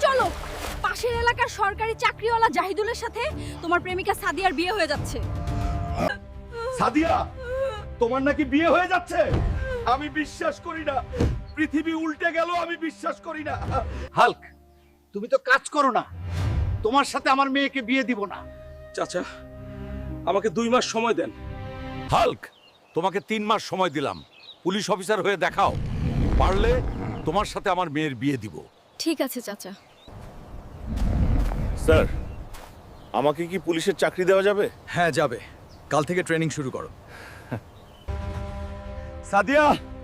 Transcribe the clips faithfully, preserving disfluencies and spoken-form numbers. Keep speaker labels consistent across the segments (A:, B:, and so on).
A: চলো, পাশের এলাকার সরকারি চাকরিওয়ালা জাহিদুলের সাথে তোমার প্রেমিকা সাদিয়ার বিয়ে হয়ে যাচ্ছে।
B: সাদিয়া, তোমার নাকি বিয়ে হয়ে যাচ্ছে? আমি বিশ্বাস করি না, পৃথিবী উল্টে গেল, আমি বিশ্বাস করি না।
C: হাল্ক, তুমি তো কাজ করো না, তোমার সাথে আমার মেয়েকে বিয়ে দিব না।
B: চাচা, আমাকে দুই মাস সময় দেন।
D: হাল্ক, তোমাকে তিন মাস সময় দিলাম, পুলিশ অফিসার হয়ে দেখাও, পারলে তোমার সাথে আমার মেয়ের বিয়ে দিব।
A: ঠিক আছে চাচা।
B: স্যার, আমাকে কি পুলিশের চাকরি দেওয়া যাবে?
E: হ্যাঁ যাবে, কাল থেকে ট্রেনিং শুরু করো।
B: সাদিয়া,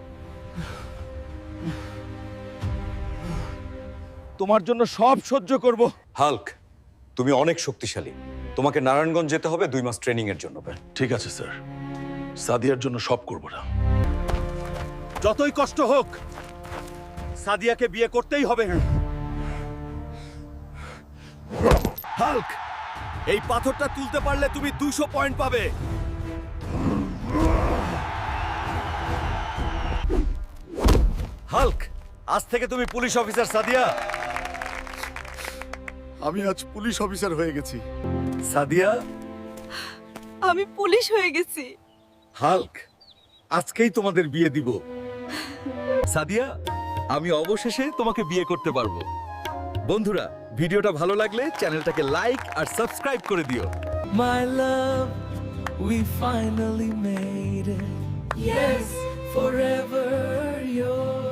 B: তোমার জন্য সব সহ্য করব।
F: হাল্ক, তুমি অনেক শক্তিশালী, তোমাকে নারায়ণগঞ্জ যেতে হবে দুই মাস ট্রেনিং এর জন্য।
B: ঠিক আছে স্যার, সাদিয়ার জন্য সব করব না। যতই কষ্ট হোক, সাদিয়াকে বিয়ে করতেই হবে। হাল্ক, এই পাথরটা তুলতে পারলে তুমি দুশো পয়েন্ট পাবে।
D: হাল্ক, আজ থেকে তুমি পুলিশ অফিসার সাদিয়া।
B: আমি আজ পুলিশ অফিসার হয়ে গেছি।
D: সাদিয়া,
A: আমি পুলিশ হয়ে গেছি।
D: হাল্ক, আজকেই তোমাদের বিয়ে দিব। সাদিয়া, আমি অবশেষে তোমাকে বিয়ে করতে পারবো। বন্ধুরা, ভিডিওটা ভালো লাগলে চ্যানেলটাকে লাইক আর সাবস্ক্রাইব করে দিও।
G: My love, we finally made it. Yes, forever yours.